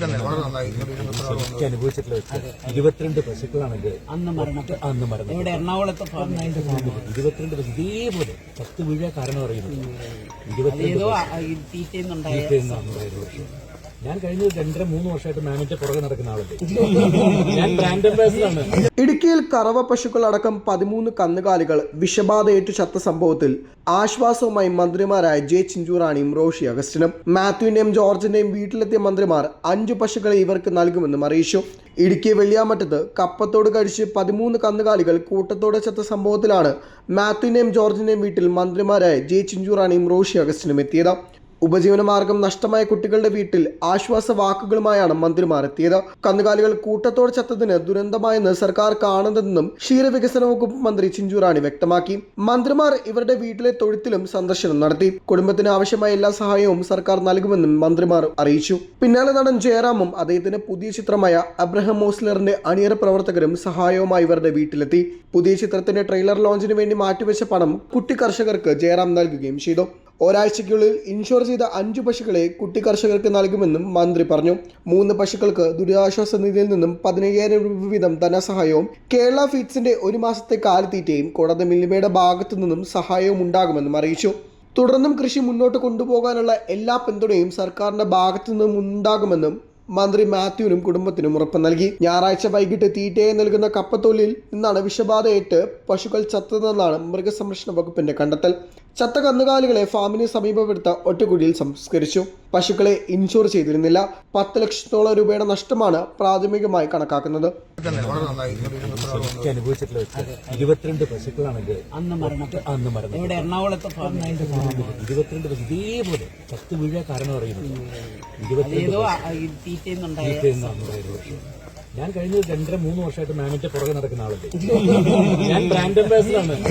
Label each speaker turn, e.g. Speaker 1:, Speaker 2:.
Speaker 1: എനിക്ക് അനുഭവിച്ചിട്ടുള്ള 22 പശുക്കളാണെങ്കിൽ അന്ന് മരണം
Speaker 2: ഇവിടെ എറണാകുളത്ത്
Speaker 1: 22 പശു ഇതേപോലെ ചത്ത് വീഴാൻ കാരണം അറിയുന്നു. 22 ഞാൻ കഴിഞ്ഞ 2.5-3 വർഷമായിട്ട് മാനേജർ പുറകെ നടക്കുന്ന ആളുണ്ട്. ഞാൻ ബ്രാൻഡ് അംബാസിഡറാണ്.
Speaker 3: ഇടുക്കിയിൽ കറവ പശുക്കളടക്കം 13 കന്നുകാലികൾ വിഷബാധയേറ്റു ചത്ത സംഭവത്തിൽ ആശ്വാസവുമായി മന്ത്രിമാരായ ജെ ചിഞ്ചുറാണിയും റോഷി അഗസ്റ്റിനും. മാത്യുവിന്റെയും ജോർജിന്റെയും വീട്ടിലെത്തിയ മന്ത്രിമാർ 5 പശുക്കളെ ഇവർക്ക് നൽകുമെന്നും അറിയിച്ചു. ഇടുക്കി വെള്ളിയാമറ്റത്ത് കപ്പത്തോട് കഴിച്ച് 13 കന്നുകാലികൾ കൂട്ടത്തോടെ ചത്ത സംഭവത്തിലാണ് മാത്യുവിന്റെയും ജോർജിന്റെയും വീട്ടിൽ മന്ത്രിമാരായ ജെ ചിഞ്ചുറാണിയും റോഷി അഗസ്റ്റിനും എത്തിയത്. ഉപജീവനമാർഗം നഷ്ടമായ കുട്ടികളുടെ വീട്ടിൽ ആശ്വാസ വാക്കുകളുമായാണ് മന്ത്രിമാർ എത്തിയത്. കന്നുകാലികൾ കൂട്ടത്തോടെ ചത്തതിന് ദുരന്തമായെന്ന് സർക്കാർ കാണുന്നതെന്നും ക്ഷീരവികസന വകുപ്പ് മന്ത്രി ചിഞ്ചുറാണി വ്യക്തമാക്കി. മന്ത്രിമാർ ഇവരുടെ വീട്ടിലെ തൊഴുത്തിലും സന്ദർശനം നടത്തി. കുടുംബത്തിന് ആവശ്യമായ എല്ലാ സഹായവും സർക്കാർ നൽകുമെന്നും മന്ത്രിമാർ അറിയിച്ചു. പിന്നാലെ നടൻ ജയറാമും അദ്ദേഹത്തിന്റെ പുതിയ ചിത്രമായ അബ്രഹാം മോസ്ലറിന്റെ അണിയറ പ്രവർത്തകരും സഹായവുമായി ഇവരുടെ വീട്ടിലെത്തി. പുതിയ ചിത്രത്തിന്റെ ട്രെയിലർ ലോഞ്ചിന് വേണ്ടി മാറ്റിവെച്ച പണം കുട്ടി കർഷകർക്ക് ജയറാം നൽകുകയും ചെയ്തു. ഒരാഴ്ചയ്ക്കുള്ളിൽ ഇൻഷുർ ചെയ്ത 5 പശുക്കളെ കുട്ടി കർഷകർക്ക് നൽകുമെന്നും മന്ത്രി പറഞ്ഞു. 3 പശുക്കൾക്ക് ദുരിതാശ്വാസ നിധിയിൽ നിന്നും 15,000 രൂപ വീതം ധനസഹായവും കേരള ഫീഡ്സിന്റെ 1 മാസത്തെ കാലിത്തീറ്റയും കൂടാതെ മിൽമയുടെ ഭാഗത്തു നിന്നും സഹായവും ഉണ്ടാകുമെന്നും അറിയിച്ചു. തുടർന്നും കൃഷി മുന്നോട്ട് കൊണ്ടുപോകാനുള്ള എല്ലാ പിന്തുണയും സർക്കാരിന്റെ ഭാഗത്തു നിന്നും ഉണ്ടാകുമെന്നും മന്ത്രി മാത്യുവിനും കുടുംബത്തിനും ഉറപ്പ് നൽകി. ഞായറാഴ്ച വൈകിട്ട് തീറ്റയായി നൽകുന്ന കപ്പത്തൊലിയിൽ നിന്നാണ് വിഷബാധയേറ്റ് പശുക്കൾ ചത്തതെന്നാണ് മൃഗസംരക്ഷണ വകുപ്പിന്റെ കണ്ടെത്തൽ. ചത്ത കന്നുകാലികളെ ഫാമിന് സമീപമെടുത്ത ഒറ്റക്കുടിയിൽ സംസ്കരിച്ചു. പശുക്കളെ ഇൻഷുർ ചെയ്തിരുന്നില്ല. 10 ലക്ഷത്തോളം രൂപയുടെ നഷ്ടമാണ് പ്രാഥമികമായി കണക്കാക്കുന്നത്.
Speaker 1: എനിക്ക് അനുഭവിച്ചിട്ടുള്ള 22 പശുക്കളാണെങ്കിൽ അന്ന് മരണം
Speaker 2: ഇവിടെ എറണാകുളത്ത്
Speaker 1: 22 പശു ഇതേപോലെ ചത്ത് വീഴാൻ കാരണം അറിയുന്നു. ഞാൻ കഴിഞ്ഞ 2.5-3 വർഷമായിട്ട് മാനേജർ പുറകെ നടക്കുന്ന ആളുണ്ട്. ഞാൻ ബ്രാൻഡ് അംബാസിഡറാണ്.